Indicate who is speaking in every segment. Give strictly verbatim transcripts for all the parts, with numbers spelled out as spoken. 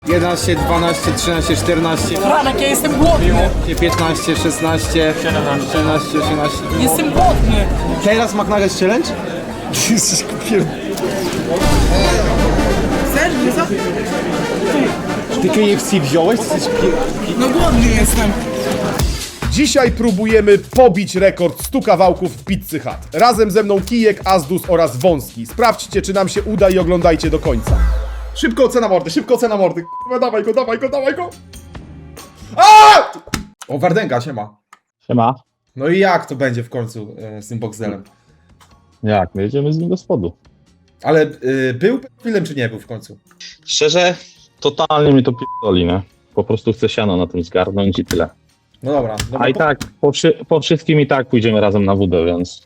Speaker 1: jedenaście, dwanaście, trzynaście, czternaście,
Speaker 2: Franek, ja jestem głodny.
Speaker 1: piętnaście, szesnaście, siedemnaście, osiemnaście.
Speaker 2: Jestem głodny.
Speaker 1: Teraz McNuggets Challenge? Jesteś kupier...
Speaker 2: Chcesz, Gryza?
Speaker 1: Ty K F C wziąłeś? Jesteś pier...
Speaker 2: No głodny jestem.
Speaker 3: Dzisiaj próbujemy pobić rekord stu kawałków w Pizzy Hut. Razem ze mną Kijek, Azdus oraz Wąski. Sprawdźcie, czy nam się uda i oglądajcie do końca. Szybko ocena mordy, szybko ocena mordy. Kurwa, dawaj go, dawaj go, dawaj go. A! O, Wardęga, siema.
Speaker 4: Siema.
Speaker 3: No i jak to będzie w końcu e, z tym Boxdelem?
Speaker 4: Jak? My jedziemy z nim do spodu.
Speaker 3: Ale y, był chwilę czy nie był w końcu?
Speaker 4: Szczerze, totalnie mi to p***oli, nie? Po prostu chcę siano na tym zgarnąć i tyle.
Speaker 3: No dobra. dobra
Speaker 4: A i
Speaker 3: po...
Speaker 4: tak, po, wszy po wszystkim i tak pójdziemy razem na wódę, więc...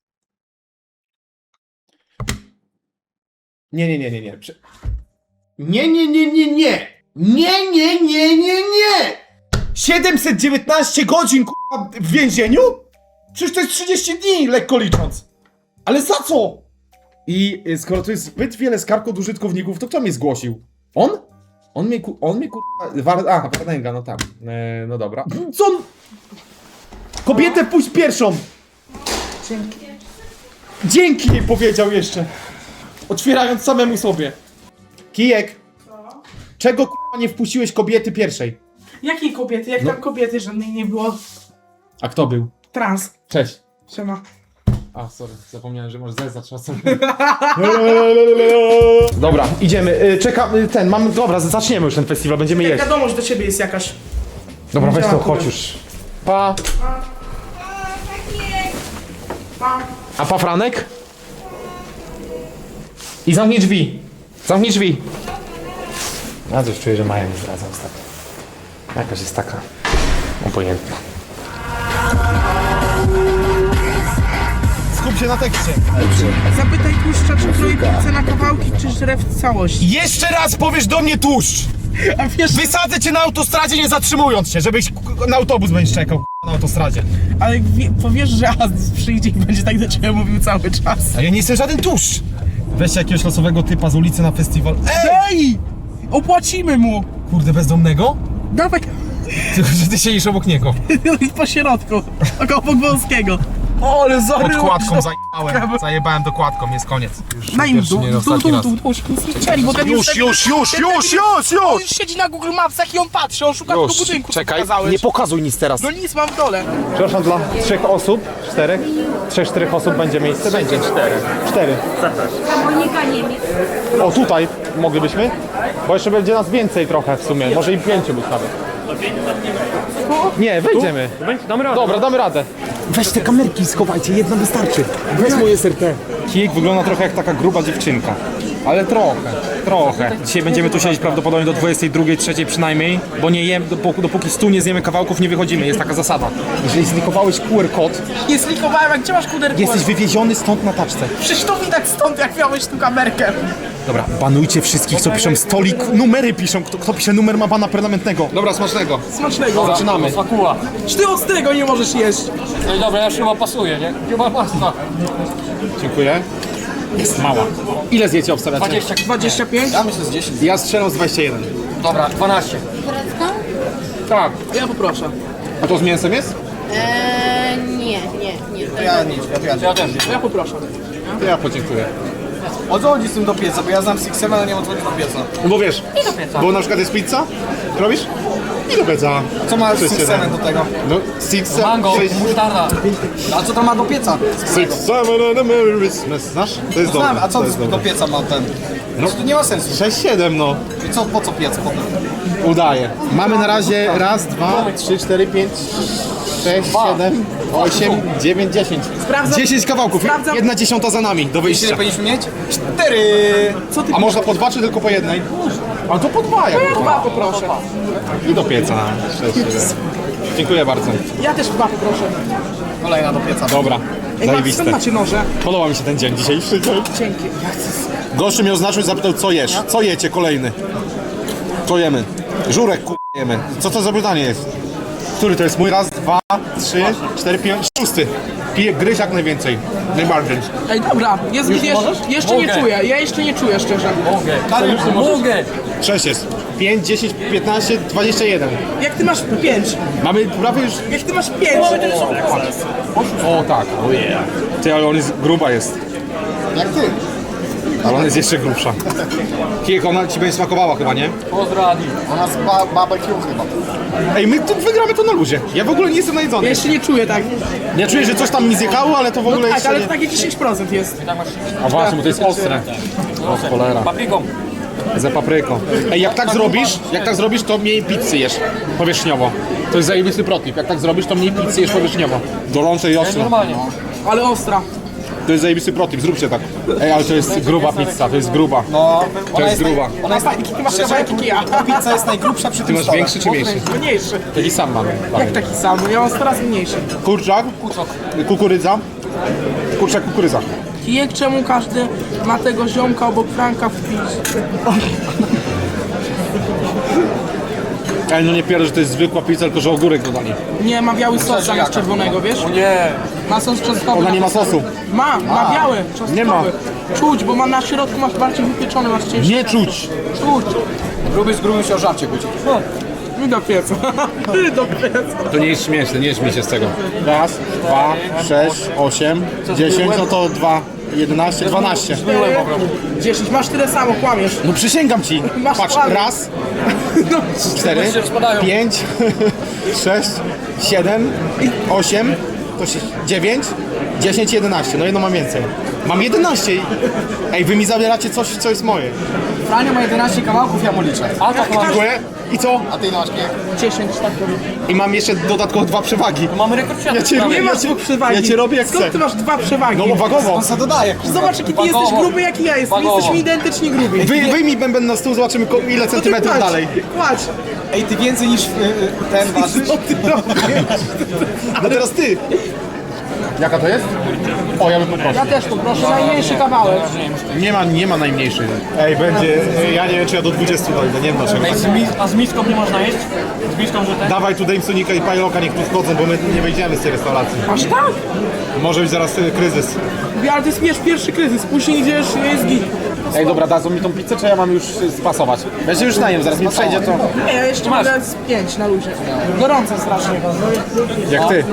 Speaker 3: Nie, nie, nie, nie, nie. Prze... Nie, nie, nie, nie, nie. Nie, nie, nie, nie, nie. siedemset dziewiętnaście godzin k***a, w więzieniu? Przecież to jest trzydzieści dni, lekko licząc. Ale za co? I y, skoro to jest zbyt wiele skarg od użytkowników, to kto mnie zgłosił? On? On mnie, ku... on mnie k***a... War... A, Wardęga, no tak. E, no dobra. Co on... Kobietę wpuść pierwszą!
Speaker 2: Dzięki.
Speaker 3: Dzięki jej powiedział jeszcze. Otwierając samemu sobie. Kijek.
Speaker 2: Co?
Speaker 3: Czego k***a nie wpuściłeś kobiety pierwszej?
Speaker 2: Jakiej kobiety? Jak
Speaker 3: No.
Speaker 2: tam kobiety żadnej nie było?
Speaker 3: A kto był?
Speaker 2: Trans.
Speaker 3: Cześć.
Speaker 2: Siema.
Speaker 3: A, sorry, zapomniałem, że może zezać czasem. Dobra, idziemy. Y, Czekam, y, ten, mamy, dobra, zaczniemy już ten festiwal, będziemy jeść.
Speaker 2: Wiadomość do ciebie jest jakaś.
Speaker 3: Dobra, weź to,
Speaker 2: Działa,
Speaker 3: chodź
Speaker 2: kurwa.
Speaker 3: już. Pa.
Speaker 2: Pa.
Speaker 3: A pa Franek? I zamknij drzwi. Zamknij drzwi. Ja coś czuję, że Maja nie zdradza ostatnio. Jakaś jest taka obojętna. Skup się na tekście.
Speaker 2: Zapytaj tłuszcza, czy kroi pizzę na kawałki, czy żre w całości.
Speaker 3: Jeszcze raz powiesz do mnie tłuszcz!
Speaker 2: A wiesz,
Speaker 3: Wysadzę cię na autostradzie nie zatrzymując się, żebyś k- na autobus będziesz czekał k- na autostradzie.
Speaker 2: ale wie, powiesz, że Azdus przyjdzie i będzie tak do ciebie mówił cały czas.
Speaker 3: A ja nie jestem żaden tłuszcz! Weźcie jakiegoś losowego typa z ulicy na festiwal. Ej!
Speaker 2: Ej! Opłacimy mu!
Speaker 3: Kurde, bezdomnego?
Speaker 2: Dawaj,
Speaker 3: Tylko, że ty siedzisz obok niego.
Speaker 2: po środku, około Wąskiego.
Speaker 3: O, ale
Speaker 2: zaryłeś,
Speaker 3: Podkładką
Speaker 2: no.
Speaker 3: zajebałem. Zajebałem dokładką, jest koniec. Już
Speaker 2: Daj im
Speaker 3: pierwszy,
Speaker 2: dół,
Speaker 3: nie
Speaker 2: dół,
Speaker 3: ostatni
Speaker 2: dół,
Speaker 3: raz.
Speaker 2: dół, dół, nic nie strzeli, bo ten
Speaker 3: Już,
Speaker 2: ten-
Speaker 3: już, już,
Speaker 2: ten-
Speaker 3: już,
Speaker 2: ten-
Speaker 3: już, już!
Speaker 2: On już siedzi na Google Mapsach i on patrzy, on szuka tego budynku, co pokazałeś.
Speaker 3: pokazuj nic teraz.
Speaker 2: No nic, mam w dole.
Speaker 3: Przepraszam, dla trzech osób, czterech? Trzech, czterech osób będzie miejsce? Będzie. Cztery. Cztery.
Speaker 5: Monika Niemiec.
Speaker 3: O, tutaj moglibyśmy? Bo jeszcze będzie nas więcej trochę w sumie, może i pięciu być nawet. Nie, wejdziemy. Damy radę. Dobra, damy radę. Weź te kamerki, schowajcie, jedna wystarczy. Weź moje S R T.
Speaker 1: Kijek wygląda trochę jak taka gruba dziewczynka. Ale trochę, trochę. Dzisiaj będziemy tu siedzieć prawdopodobnie do dwudziestej drugiej, trzeciej przynajmniej, bo nie jem, dopóki, dopóki stu nie zjemy kawałków, nie wychodzimy. Jest taka zasada. Jeżeli zlikowałeś Q R kod,
Speaker 2: Nie slikowałem, jak gdzie masz kuderko?
Speaker 1: jesteś wywieziony stąd na taczce.
Speaker 2: Przecież to widać stąd, jak miałeś tu kamerkę.
Speaker 1: Dobra, banujcie wszystkich, co piszą stolik, numery piszą. Kto, kto pisze numer, ma bana permanentnego. Dobra, smacznego.
Speaker 2: Smacznego.
Speaker 1: Zaczynamy.
Speaker 6: Akuła.
Speaker 2: Czy ty ostrego nie możesz jeść?
Speaker 6: No i dobra, ja już chyba pasuje, nie? Chyba masa.
Speaker 1: Dziękuję. Jest mała. Ile zjecie obstawiacie?
Speaker 6: dwadzieścia.
Speaker 2: dwadzieścia pięć?
Speaker 1: Ja myślę z dziesięć. Ja strzelam z dwudziesta jeden.
Speaker 6: Dobra, dwanaście.
Speaker 1: Tak.
Speaker 2: Ja poproszę.
Speaker 1: A to z mięsem jest?
Speaker 5: Eee, nie, nie, nie. To
Speaker 6: Ja też.
Speaker 2: Ja poproszę.
Speaker 1: To ja podziękuję.
Speaker 7: O co chodzi z tym do pieca? Bo ja znam Six Seven, ale nie mam co chodzi do pieca.
Speaker 1: Bo wiesz, bo na przykład jest pizza, robisz? I do pieca.
Speaker 7: Co ma
Speaker 1: Sześć,
Speaker 7: Six
Speaker 1: siedem.
Speaker 7: Seven do tego?
Speaker 1: No, six, seven,
Speaker 6: Mango,
Speaker 1: sześć,
Speaker 6: musztarda.
Speaker 7: A co to ma do pieca?
Speaker 1: six, seven and a Merry Christmas. Znasz? To jest dobre.
Speaker 7: Znam, a co
Speaker 1: to jest
Speaker 7: do
Speaker 1: dobre.
Speaker 7: pieca ma ten? No to nie ma sensu.
Speaker 1: sześć, siedem, no.
Speaker 7: I co, po co piec potem?
Speaker 1: Udaje. Mamy na razie raz, dwa, trzy, cztery, pięć, sześć, siedem, osiem, dziewięć, dziesięć.
Speaker 2: Sprawdzam.
Speaker 1: dziesięć kawałków.
Speaker 2: Sprawdzam.
Speaker 1: Jedna dziesiąta za nami do
Speaker 7: Ile
Speaker 1: wyjścia.
Speaker 7: powinniśmy mieć? Cztery!
Speaker 2: Co ty?
Speaker 1: A można po dwa, czy tylko po jednej? A to po dwa, jak
Speaker 2: Ja dwa poproszę.
Speaker 1: I do pieca. sześć, siedem. Dziękuję bardzo.
Speaker 2: Ja też dwa poproszę.
Speaker 7: Kolejna do pieca.
Speaker 1: Dobra.
Speaker 2: Ej, Max,
Speaker 1: Zajebiste.
Speaker 2: skąd macie noże?
Speaker 1: Podoba mi się ten dzień dzisiejszy.
Speaker 2: Dzięki.
Speaker 1: Gościu mnie oznaczył i zapytał, co jesz? Co jecie kolejny? Co jemy? Żurek ku... jemy. Co to za pytanie jest?
Speaker 3: Który to jest mój? Raz, dwa, trzy, cztery, pięć, szósty. Piję, gryź jak najwięcej. Najbardziej.
Speaker 2: Ej, dobra, jest
Speaker 6: Już
Speaker 2: jeszcze,
Speaker 6: możesz?
Speaker 2: jeszcze nie
Speaker 6: Mogę.
Speaker 2: czuję, ja jeszcze nie czuję szczerze.
Speaker 6: Mogę. Mogę.
Speaker 3: Sześć jest. pięć, dziesięć, piętnaście, dwadzieścia jeden.
Speaker 2: Jak ty masz pięć?
Speaker 3: Mamy prawie już...
Speaker 2: Jak ty masz pięć?
Speaker 1: O tak, o yeah. Ty, ale on jest, gruba jest.
Speaker 3: Jak ty?
Speaker 1: Ale ona jest jeszcze grubsza. Kijek, ona ci będzie smakowała chyba, nie?
Speaker 6: Pozdrawiam.
Speaker 7: Ona z ba barbecue chyba.
Speaker 3: Ej, my tu wygramy to na luzie. Ja w ogóle nie jestem
Speaker 2: Ja
Speaker 3: najedzony.
Speaker 2: jeszcze nie czuję tak.
Speaker 3: Ja czuję, że coś tam mi zjechało, ale to w ogóle
Speaker 2: Tak,
Speaker 3: jeszcze
Speaker 2: ale
Speaker 3: nie...
Speaker 2: to takie dziesięć procent jest.
Speaker 1: A właśnie, bo to jest ostre. O cholera.
Speaker 6: Papryką.
Speaker 1: Za papryką.
Speaker 3: Ej, jak tak zrobisz, jak tak zrobisz, to mniej pizzy jesz powierzchniowo. To jest zajebisty protip. Jak tak zrobisz, to mniej pizzy jesz powierzchniowo. Gorące i ostre.
Speaker 6: Normalnie.
Speaker 2: Ale ostra.
Speaker 3: To jest zajebisty protip, zróbcie tak. Ej, ale to jest gruba pizza, to jest gruba.
Speaker 7: No,
Speaker 3: To jest gruba.
Speaker 7: ona jest
Speaker 2: Fajki, ty masz kawałki kija.
Speaker 7: Pizza jest najgrubsza przy
Speaker 1: Ty
Speaker 7: tym
Speaker 1: masz
Speaker 7: stole.
Speaker 1: większy czy mniejszy?
Speaker 2: Mniejszy.
Speaker 1: Taki sam mam.
Speaker 2: Jak taki sam? Ja mam coraz mniejszy.
Speaker 3: Kurczak, kukurydza. Kurczak, kukurydza.
Speaker 2: Kijek, czemu każdy ma tego ziomka obok Franka w piździe?
Speaker 3: Ej, no nie pierdolę, że to jest zwykła pizza, tylko że ogórek dodali.
Speaker 2: Nie, ma biały sos zamiast czerwonego, wiesz?
Speaker 6: O nie.
Speaker 2: Ma sos czosnkowy.
Speaker 3: Ona nie ma sosu.
Speaker 2: Ma, ma biały, czosnkowy.
Speaker 3: Nie ma.
Speaker 2: Czuć, bo ma na środku masz bardziej wypieczony, masz cięższy.
Speaker 3: Nie czuć.
Speaker 2: Czuć.
Speaker 7: Gruby z grubym się o żarcie kłóci.
Speaker 2: I do pieca. I do pieca.
Speaker 1: To nie jest śmieszne, nie śmiej się z tego.
Speaker 3: Raz, dwa, sześć, osiem, dziesięć, no to dwa, jedenaście, dwanaście.
Speaker 2: dziesięć, masz tyle samo, kłamiesz.
Speaker 3: No przysięgam ci.
Speaker 2: Masz
Speaker 3: Patrz,
Speaker 2: plan.
Speaker 3: raz,
Speaker 2: No,
Speaker 3: cztery,
Speaker 6: się rozpadają.
Speaker 3: pięć, sześć, siedem, osiem, to się, dziewięć, dziesięć, jedenaście. No jedno mam więcej. Mam jedenaście. Ej, wy mi zabieracie coś, co jest moje.
Speaker 7: Franio ma jedenaście kawałków, ja mu liczę.
Speaker 6: A tak mam.
Speaker 3: Dziękuję. I co?
Speaker 7: A ty ile masz kijek?
Speaker 2: dziesięć, tak robię.
Speaker 3: I mam jeszcze dodatkowo dwa przewagi.
Speaker 6: Mamy rekord świata.
Speaker 3: Ja cię
Speaker 2: Nie
Speaker 3: robię,
Speaker 2: masz
Speaker 3: ja cię,
Speaker 2: dwóch przewagi.
Speaker 3: ja cię robię jak
Speaker 2: Skąd
Speaker 3: chcę.
Speaker 2: ty masz dwa przewagi?
Speaker 3: No wagowo.
Speaker 7: On se dodaje.
Speaker 2: Zobacz, jaki ty
Speaker 6: Wagowo.
Speaker 2: jesteś gruby, jak i ja jestem.
Speaker 6: Wagowo.
Speaker 2: Jesteśmy identycznie grubi.
Speaker 3: Wy, wyjmij bęben na stół, zobaczymy ko- ile
Speaker 2: No ty
Speaker 3: centymetrów
Speaker 2: kładź,
Speaker 3: dalej.
Speaker 2: Kładź.
Speaker 7: Ej, ty więcej niż y, y, ten ważysz?
Speaker 2: Co ty robisz?
Speaker 3: No teraz ty. Jaka to jest? O, ja bym poprosił.
Speaker 2: Ja też poproszę, najmniejszy kawałek.
Speaker 3: Nie ma, nie ma najmniejszej. Ej, będzie, ja nie wiem czy ja do dwudziestu dojdę, nie wiem dlaczego.
Speaker 6: Ej, z mi- a z miską nie można jeść? Z miską, że ten?
Speaker 3: Dawaj tu Damesonika i Pajloka, niech tu wchodzą, bo my nie wejdziemy z tej restauracji.
Speaker 2: Aż tak?
Speaker 3: Może być zaraz y, kryzys.
Speaker 2: Ale to jest wiesz, pierwszy kryzys, później idziesz, jest git.
Speaker 1: Ej, dobra, dadzą mi tą pizzę, czy ja mam już y, spasować?
Speaker 3: Ja się już najem, zaraz mi przejdzie to.
Speaker 2: Nie, ja jeszcze
Speaker 6: Masz.
Speaker 2: mogę z pięć na luzie. Gorąco strasznie.
Speaker 3: Jak ty.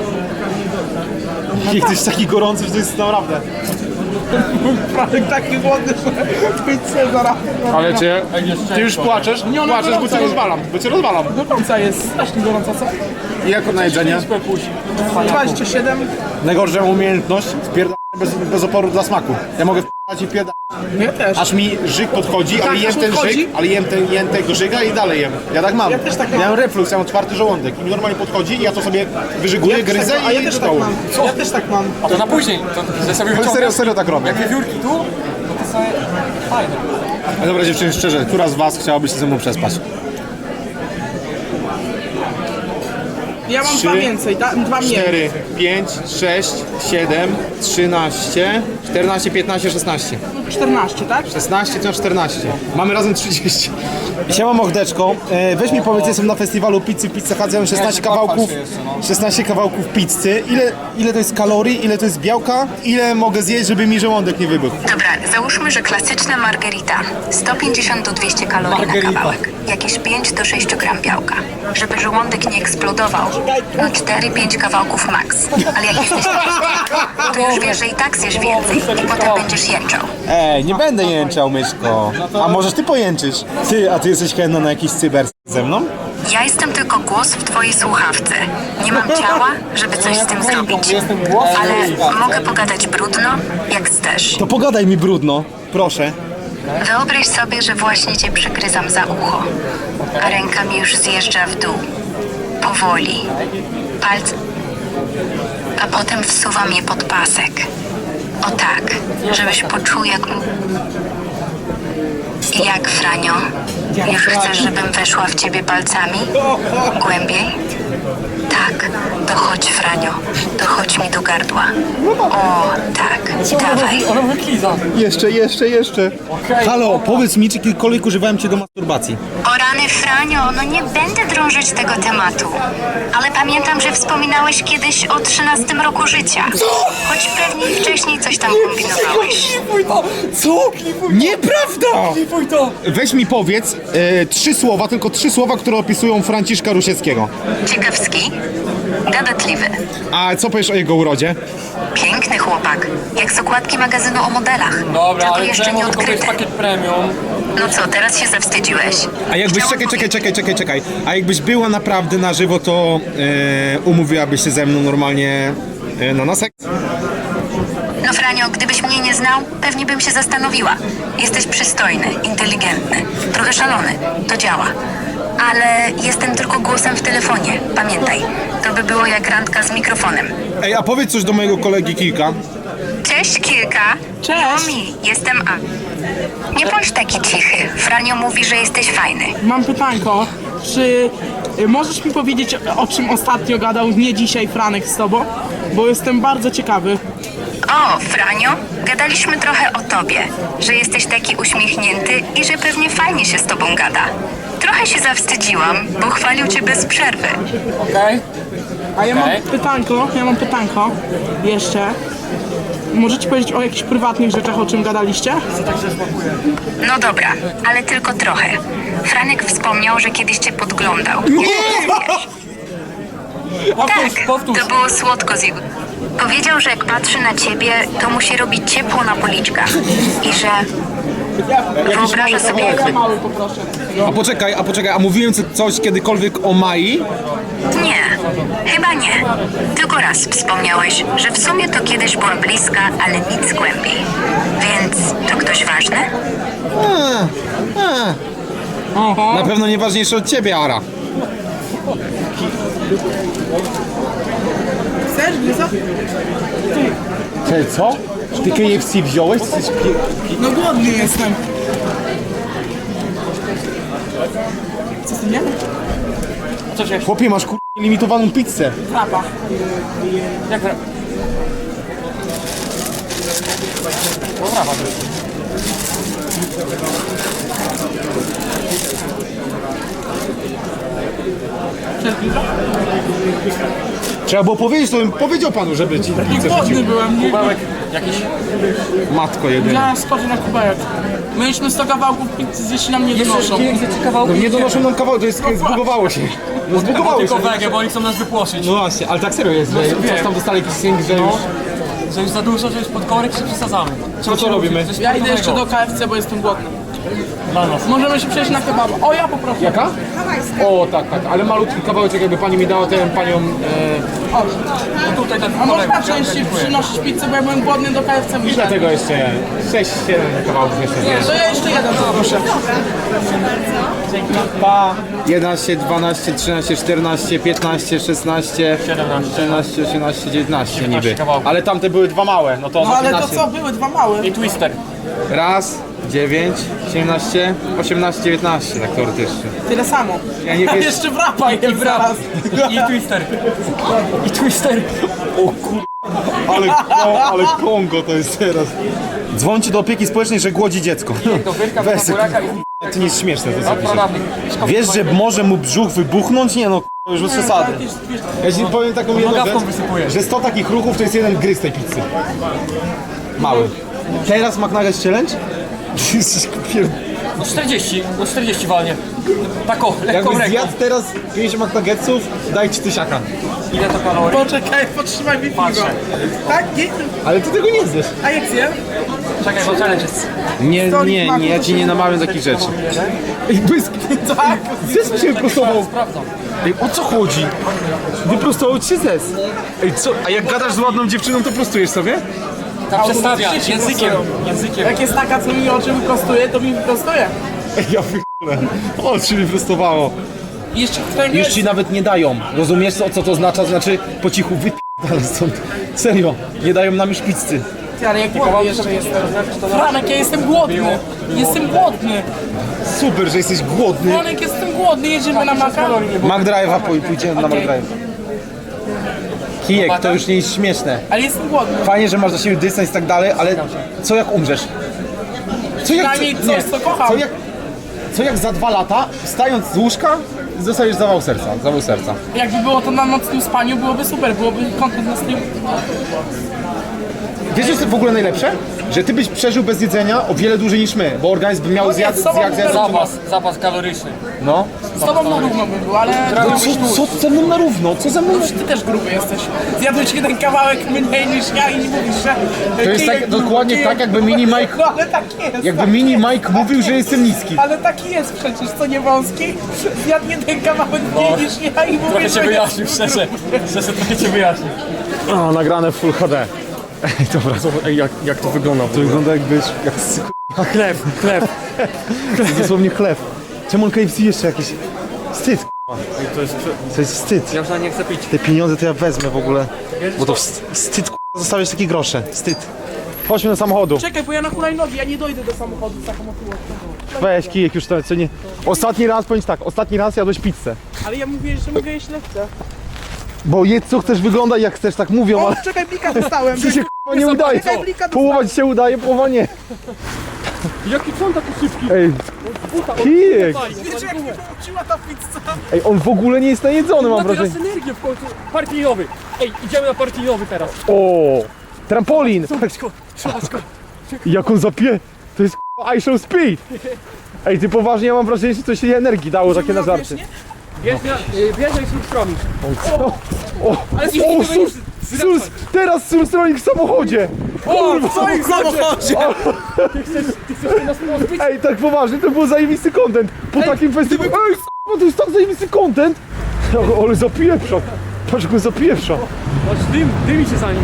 Speaker 3: I ktoś taki gorący, że to jest naprawdę.
Speaker 2: Franek taki głodny, że pizzę zaraz.
Speaker 1: Ale cię...
Speaker 3: Ty już płaczesz?
Speaker 2: Nie, ona
Speaker 3: Płaczesz, bo
Speaker 2: gorąca
Speaker 3: cię
Speaker 2: jest.
Speaker 3: rozwalam, bo cię rozwalam.
Speaker 2: Gorąca jest, strasznie gorąca, co?
Speaker 3: I jako na jedzenie?
Speaker 2: dwadzieścia siedem.
Speaker 3: Najgorsza umiejętność wpierdać bez, bez oporu dla smaku. Ja mogę wpierdać i wpierdać,
Speaker 2: No ja też.
Speaker 3: aż mi żyg podchodzi,
Speaker 2: Tak,
Speaker 3: ale jem
Speaker 2: aż
Speaker 3: ten
Speaker 2: podchodzi?
Speaker 3: żyg, ale jem, ten, jem tego żyga i dalej jem. Ja tak mam.
Speaker 2: Ja też tak mam.
Speaker 3: Ja mam reflux, ja mam otwarty żołądek i mi normalnie podchodzi i ja to sobie wyżyguję,
Speaker 2: Ja też
Speaker 3: gryzę
Speaker 2: tak, a ja
Speaker 3: i
Speaker 2: też
Speaker 3: do
Speaker 2: tak
Speaker 3: dołu.
Speaker 2: mam. Ja też tak mam.
Speaker 6: To na później. To, że sobie
Speaker 3: Ale serio,
Speaker 6: wyciągasz
Speaker 3: serio tak robię.
Speaker 6: jak wiewiórki tu, no to sobie fajne.
Speaker 3: Ale dobra dziewczyny, szczerze, która z was chciałaby się ze mną przespać?
Speaker 2: Ja mam
Speaker 3: Trzy,
Speaker 2: dwa więcej, da, dwa mniej.
Speaker 3: cztery, pięć, sześć, siedem, trzynaście, czternaście, piętnaście, szesnaście.
Speaker 2: czternaście, tak?
Speaker 3: szesnaście to czternaście. Mamy razem trzydzieści. Siema mordeczko, e, weź mi powiedz, jestem na festiwalu pizzy w Pizza Hut, ja mam szesnaście kawałków, szesnaście kawałków pizzy. Ile, ile to jest kalorii, ile to jest białka, ile mogę zjeść, żeby mi żołądek nie wybuchł?
Speaker 8: Dobra, załóżmy, że klasyczna margarita sto pięćdziesiąt do dwieście kalorii
Speaker 6: Margarita.
Speaker 8: na kawałek. Jakieś pięć do sześciu gram białka. Żeby żołądek nie eksplodował, no cztery pięć kawałków max. Ale jak jesteś to już wiesz, że i tak zjesz więcej i potem będziesz jęczał.
Speaker 3: Ej, nie będę jęczał, myszko. A możesz ty pojęczysz? Ty, a ty jesteś chętna na jakiś cyber ze mną?
Speaker 8: Ja jestem tylko głos w twojej słuchawce. Nie mam ciała, żeby coś z tym zrobić. Ale mogę pogadać brudno, jak chcesz.
Speaker 3: To pogadaj mi brudno, proszę.
Speaker 8: Wyobraź sobie, że właśnie cię przygryzam za ucho, a ręka mi już zjeżdża w dół. Powoli. Palce. A potem wsuwam je pod pasek. O tak, żebyś poczuł jak... Jak, Franio? Już chcesz, żebym weszła w ciebie palcami? Głębiej? Tak, to chodź, Franio. To chodź mi do gardła. O, tak, dawaj.
Speaker 6: Ona wykliza.
Speaker 3: Jeszcze, jeszcze, jeszcze.
Speaker 6: Okej.
Speaker 1: Halo, powiedz mi, czy kiedykolwiek używałem cię do masturbacji?
Speaker 8: O rany, Franio, no nie będę drążyć tego tematu. Ale pamiętam, że wspominałeś kiedyś o trzynastym roku życia. Choć pewnie wcześniej coś tam kombinowałeś.
Speaker 6: Klipuj to! Co? Klipuj
Speaker 1: Nieprawda!
Speaker 6: Klipuj to!
Speaker 1: Weź mi powiedz e, trzy słowa, tylko trzy słowa, które opisują Franciszka Rusieckiego.
Speaker 8: Ciekawski, gadatliwy,
Speaker 1: A co powiesz o jego urodzie?
Speaker 8: piękny chłopak, jak z okładki magazynu o modelach.
Speaker 6: Dobra,
Speaker 8: Tylko
Speaker 6: ale
Speaker 8: jeszcze
Speaker 6: czemu
Speaker 8: nie
Speaker 6: tylko to jest
Speaker 8: odkryte.
Speaker 6: pakiet premium?
Speaker 8: No co, teraz się zawstydziłeś?
Speaker 1: A jakbyś,
Speaker 8: Chciałam
Speaker 1: czekaj, czekaj,
Speaker 8: powiedzieć-
Speaker 1: czekaj, czekaj, czekaj. A jakbyś była naprawdę na żywo, to e, umówiłabyś się ze mną normalnie e, na nasek?
Speaker 8: No Franio, gdybyś mnie nie znał, pewnie bym się zastanowiła. Jesteś przystojny, inteligentny, trochę szalony, to działa. Ale jestem tylko głosem w telefonie, pamiętaj. To by było jak randka z mikrofonem.
Speaker 1: Ej, a powiedz coś do mojego kolegi Kilka.
Speaker 8: Cześć, Kilka.
Speaker 2: Cześć.
Speaker 8: Momi, jestem A. Nie bądź taki cichy. Franio mówi, że jesteś fajny.
Speaker 2: Mam pytanko, czy y, możesz mi powiedzieć, o czym ostatnio gadał nie dzisiaj Franek z tobą? Bo jestem bardzo ciekawy.
Speaker 8: O, Franio, gadaliśmy trochę o tobie, że jesteś taki uśmiechnięty i że pewnie fajnie się z tobą gada. Trochę się zawstydziłam, bo chwalił cię bez przerwy.
Speaker 6: Okej?
Speaker 2: A ja mam
Speaker 6: Okej.
Speaker 2: pytanko, ja mam pytanko jeszcze. Możecie powiedzieć o jakichś prywatnych rzeczach, o czym gadaliście?
Speaker 8: No dobra, ale tylko trochę. Franek wspomniał, że kiedyś cię podglądał.
Speaker 6: Powtórz,
Speaker 8: Tak,
Speaker 6: powtórz.
Speaker 8: to było słodko z jego... Powiedział, że jak patrzy na ciebie, to mu się robi ciepło na policzkach. I że wyobraża sobie, jak...
Speaker 2: Mały poproszę.
Speaker 1: A poczekaj, a poczekaj, a mówiłem co- coś kiedykolwiek o Mai?
Speaker 8: Nie, chyba nie. Tylko raz wspomniałeś, że w sumie to kiedyś była bliska, ale nic głębiej. Więc to ktoś ważny?
Speaker 1: A, a.
Speaker 2: Oho.
Speaker 1: Na pewno nie ważniejsze od ciebie, Ara.
Speaker 2: Chcesz, Gryza?
Speaker 1: Ty co? Czy ty K F C wziąłeś? Jesteś pi-
Speaker 2: No głodny jestem. Co ty nie?
Speaker 6: Co się...
Speaker 1: Chłopie, masz kur... limitowaną pizzę.
Speaker 2: Frapa.
Speaker 6: Jak... Dobra, Patryk.
Speaker 2: Chcesz Gryza?
Speaker 1: Trzeba było powiedzieć, to bym powiedział panu, żeby ci
Speaker 2: I głodny byłem, nie?
Speaker 6: Kubełek jakiś...
Speaker 1: Matko jedyna.
Speaker 2: Ja skoczę na kubełek. Mieliśmy sto kawałków pizzy, zjeść nam nie donoszą.
Speaker 1: No nie donoszą nam kawałek, to jest, zbugowało się. No zbugowało się.
Speaker 6: Tylko wege, bo oni chcą nas wypłoszyć.
Speaker 1: No właśnie, ale tak serio jest, że
Speaker 6: wiem.
Speaker 1: coś tam dostali jakiś synk, że już...
Speaker 6: Że już za dużo, że już pod korek się przesadzamy.
Speaker 1: To co robimy?
Speaker 6: Coś
Speaker 2: Ja idę jeszcze do
Speaker 6: sportowego.
Speaker 2: K F C, bo jestem głodny.
Speaker 6: Dla nas.
Speaker 2: Możemy się przejść na kebaba. O, ja poproszę.
Speaker 1: Jaka? O, tak, tak, ale malutki kawałeczek, jakby pani mi dała ten panią... E,
Speaker 2: O,
Speaker 6: No tutaj ten
Speaker 2: a można
Speaker 6: korek,
Speaker 2: częściej
Speaker 6: dziękuję.
Speaker 2: przynosić pizzę, bo ja byłem głodny do K F C.
Speaker 1: I
Speaker 2: muszę.
Speaker 1: dlatego jeszcze sześć siedem kawałków jeszcze zjeść.
Speaker 2: To ja jeszcze jeden poproszę.
Speaker 1: Pa! jedenaście, dwanaście, trzynaście, czternaście, piętnaście, szesnaście,
Speaker 6: siedemnaście.
Speaker 1: siedemnaście, osiemnaście, dziewiętnaście niby.
Speaker 6: kawałków.
Speaker 1: Ale tamte były dwa małe, no to
Speaker 2: No ale to
Speaker 1: piętnaście.
Speaker 2: co, były dwa małe.
Speaker 6: I twister.
Speaker 1: Raz, dziewięć, siedemnaście, osiemnaście, dziewiętnaście, tak teoretycznie.
Speaker 2: Tyle samo.
Speaker 1: Ja nie
Speaker 2: A
Speaker 1: wiesz-
Speaker 2: jeszcze wrapa
Speaker 6: I
Speaker 2: jem
Speaker 6: wrap.
Speaker 2: zaraz.
Speaker 6: I twister. I twister.
Speaker 1: O kur... Ale, ko- ale Kongo to jest teraz. Dzwońcie do opieki społecznej, że głodzi dziecko.
Speaker 6: Do wyrka,
Speaker 1: Weź,
Speaker 6: do buraka i...
Speaker 1: to nie jest śmieszne to co piszesz.
Speaker 6: Pradawnik.
Speaker 1: Wiesz, że może mu brzuch wybuchnąć? Nie no, k***a, już bez przesady. Ja ci powiem taką jedną
Speaker 6: Nogawką
Speaker 1: rzecz,
Speaker 6: wysypujesz.
Speaker 1: że sto takich ruchów to jest jeden gryz tej pizzy. Mały. Teraz McNuggets Challenge? Jesteś pier...
Speaker 6: No czterdzieści, no czterdzieści walnie. Tak o, lekką
Speaker 1: Jakbyś
Speaker 6: ręką.
Speaker 1: zjadł teraz pięć McNuggetsów, daj ci tysiaka.
Speaker 6: Ile to kalorii?
Speaker 2: Poczekaj, potrzymaj mi piwo.
Speaker 6: Patrzę.
Speaker 2: Tak? Nie?
Speaker 1: Ale ty tego nie zjesz.
Speaker 2: A jak zjem?
Speaker 6: Czekaj, bo challenge jest.
Speaker 1: Nie,
Speaker 2: Stolik
Speaker 1: nie,
Speaker 2: maku,
Speaker 1: nie, ja
Speaker 2: to
Speaker 1: ci
Speaker 2: się
Speaker 1: nie namawiam takich rzeczy. Ej, błysk!
Speaker 2: Tak.
Speaker 1: Zes się wyprostował.
Speaker 6: Sprawdzam.
Speaker 1: Ej, o co chodzi? Wyprostował ci się zes. Ej, co? A jak gadasz z ładną dziewczyną, to prostujesz sobie?
Speaker 6: Tak przestawia,
Speaker 2: Automatycznie się
Speaker 6: językiem.
Speaker 2: prostują.
Speaker 6: Językiem.
Speaker 2: Jak jest taka, co mi oczy wyprostuje, to mi wyprostuje.
Speaker 1: Ej, ja wychole. O, czy mi prostowało.
Speaker 2: I jeszcze którego
Speaker 1: Już
Speaker 2: jest...
Speaker 1: ci nawet nie dają. Rozumiesz, co, co to oznacza? Znaczy, po cichu wypierdalaj stąd. Serio, nie dają nam już pizzy.
Speaker 2: Ty, ale ja głodny jeszcze jestem. Franek, ja jestem głodny. Jestem głodny.
Speaker 3: Super, że jesteś głodny.
Speaker 2: Franek, jestem głodny. Jedziemy na Maka?
Speaker 3: McDrive'a, pój- pójdziemy na
Speaker 2: Okej.
Speaker 3: McDrive. Kijek, to już nie jest śmieszne.
Speaker 2: Ale jestem głodny.
Speaker 3: Fajnie, że masz dla siebie dystans i tak dalej, ale co jak umrzesz? Co jak,
Speaker 2: Przynajmniej coś,
Speaker 3: nie,
Speaker 2: co kocham.
Speaker 3: co jak, co jak za dwa lata, wstając z łóżka, dostajesz zawał serca, zawał serca.
Speaker 2: Jakby było to na nocnym spaniu, byłoby super. Byłoby content na stream.
Speaker 3: Wiesz, co jest w ogóle najlepsze? Że ty byś przeżył bez jedzenia o wiele dłużej niż my, bo organizm by miał
Speaker 2: No
Speaker 3: zjad,
Speaker 2: nie, z tobą
Speaker 3: zjad, zjad,
Speaker 6: Zapas, zapas kaloryczny.
Speaker 3: No.
Speaker 2: Z tobą na równo by było, ale...
Speaker 3: No co, co ze mną na równo? Co ze mną na...
Speaker 2: Ty też gruby jesteś. Zjadłeś jeden kawałek mniej niż ja i nie mówisz, że...
Speaker 3: To jest tak, dokładnie tak, jakby mini Mike,
Speaker 2: No ale tak jest.
Speaker 3: jakby
Speaker 2: tak
Speaker 3: mini
Speaker 2: jest.
Speaker 3: Mike mówił, że jestem niski.
Speaker 2: Ale taki jest przecież, co nie wąski. Zjadł jeden kawałek mniej niż ja i mówię,
Speaker 6: Trochę
Speaker 2: że
Speaker 6: cię
Speaker 2: jest
Speaker 6: wyjaśnił, szczerze. Szczerze, trochę cię wyjaśnił.
Speaker 1: O, nagrane w Full H D. Ej, dobra, zobacz, ej, jak, jak to wygląda.
Speaker 3: To wygląda jakbyś... Jak s-
Speaker 1: Chleb, chleb.
Speaker 3: to jest dosłownie chleb. Czemu on K F C jeszcze jakiś... Wstyd,
Speaker 1: Ej, to jest...
Speaker 3: to jest wstyd.
Speaker 1: Ja już nawet nie chcę pić.
Speaker 3: Te pieniądze to ja wezmę w ogóle, bo to wst- wstyd, k***a, zostawiać takie grosze, wstyd. Chodźmy do samochodu.
Speaker 2: Czekaj, bo ja na hulajnogi, ja nie dojdę do samochodu z taką otyłością.
Speaker 3: Weź kijek już to, co nie... Ostatni raz, powiem ci tak, ostatni raz jadłeś pizzę.
Speaker 2: Ale ja mówię, że mogę jeść lekce.
Speaker 3: Bo jedz co chcesz, wyglądaj jak chcesz, tak mówią,
Speaker 2: O,
Speaker 3: ale
Speaker 2: czekaj, blika dostałem.
Speaker 3: ci się k***a nie udaje.
Speaker 2: Czekaj, blika
Speaker 3: Połowa ci się udaje, połowa nie.
Speaker 6: Jaki on taki szybki?
Speaker 3: Ej, kijek.
Speaker 2: Wiecie, jak mnie pouczyła ta pizza?
Speaker 3: Ej, on w ogóle nie jest najedzony, mam
Speaker 6: Ma teraz
Speaker 3: wrażenie.
Speaker 6: energię w końcu. Partyjnowy. Ej, idziemy na partyjnowy teraz.
Speaker 3: O, trampolin.
Speaker 6: Szybko, szybko.
Speaker 3: Jak on zapie... To jest k***a I show speed. Ej, ty poważnie, ja mam wrażenie, że coś się energii dało takie na żarty.
Speaker 6: Bierz na, y, bierz na instruktorami.
Speaker 3: O,
Speaker 6: Ale
Speaker 3: o, sus, sus, teraz surstrolnik w samochodzie.
Speaker 6: O, w twoim samochodzie! Ty chcesz, ty chcesz nas pozbyć?
Speaker 3: Ej, tak poważnie, to był zajebisty content. Po takim festiwalu. Ej, k***a, to jest tak zajebisty content. O, ale zapieprza. Patrz, jak on zapieprza.
Speaker 6: Chodź, dym, dymi się za nim.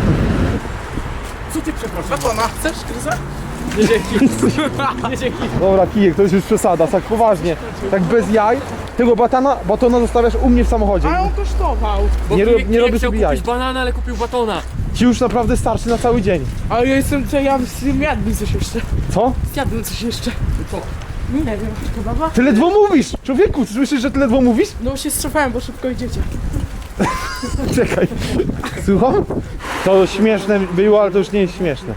Speaker 6: Co ty przepraszam?
Speaker 2: Batona, chcesz, Kryza?
Speaker 6: Nie dzięki. Nie dzięki.
Speaker 3: Dobra, kijek, to jest już przesada, tak poważnie. Tak bez jaj. Tego batana, batona zostawiasz u mnie w samochodzie.
Speaker 2: Ale on kosztował.
Speaker 6: Bo
Speaker 3: Nie, ro-
Speaker 6: Kijek
Speaker 3: nie robię
Speaker 6: chciał
Speaker 3: sobie jaj.
Speaker 6: kupić banana, ale kupił batona.
Speaker 3: Ci już naprawdę starczy na cały dzień.
Speaker 2: Ale ja jestem, co ja zjadłbym coś jeszcze.
Speaker 3: Co?
Speaker 2: Zjadłbym coś jeszcze.
Speaker 6: Co?
Speaker 2: Nie wiem, kebaba?
Speaker 3: Ty ledwo mówisz! Człowieku, słyszysz, że ty ledwo mówisz?
Speaker 2: No się strzepałem, bo szybko idziecie.
Speaker 3: Czekaj. Słucham? To śmieszne było, ale to już nie jest śmieszne.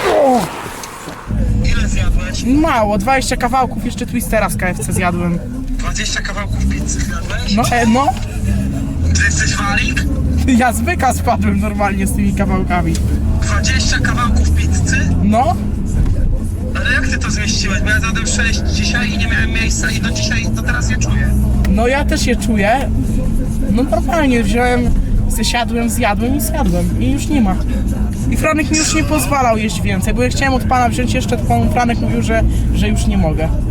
Speaker 9: Ile zjadłeś?
Speaker 2: Mało, dwadzieścia kawałków, jeszcze Twistera z K F C zjadłem.
Speaker 9: dwadzieścia kawałków pizzy zjadłeś?
Speaker 2: No, e, no.
Speaker 9: Ty jesteś walik?
Speaker 2: Ja z byka spadłem normalnie z tymi kawałkami.
Speaker 9: dwadzieścia kawałków pizzy?
Speaker 2: No,
Speaker 9: Ale jak ty to zmieściłeś? Bo ja zjadłem sześć dzisiaj i nie miałem miejsca i do dzisiaj, do teraz je czuję.
Speaker 2: no ja też je czuję. No normalnie, wziąłem, zesiadłem, zjadłem i zjadłem. I już nie ma. I Franek mi już nie pozwalał jeść więcej, bo ja chciałem od pana wziąć jeszcze, to pan Franek mówił, że, że już nie mogę.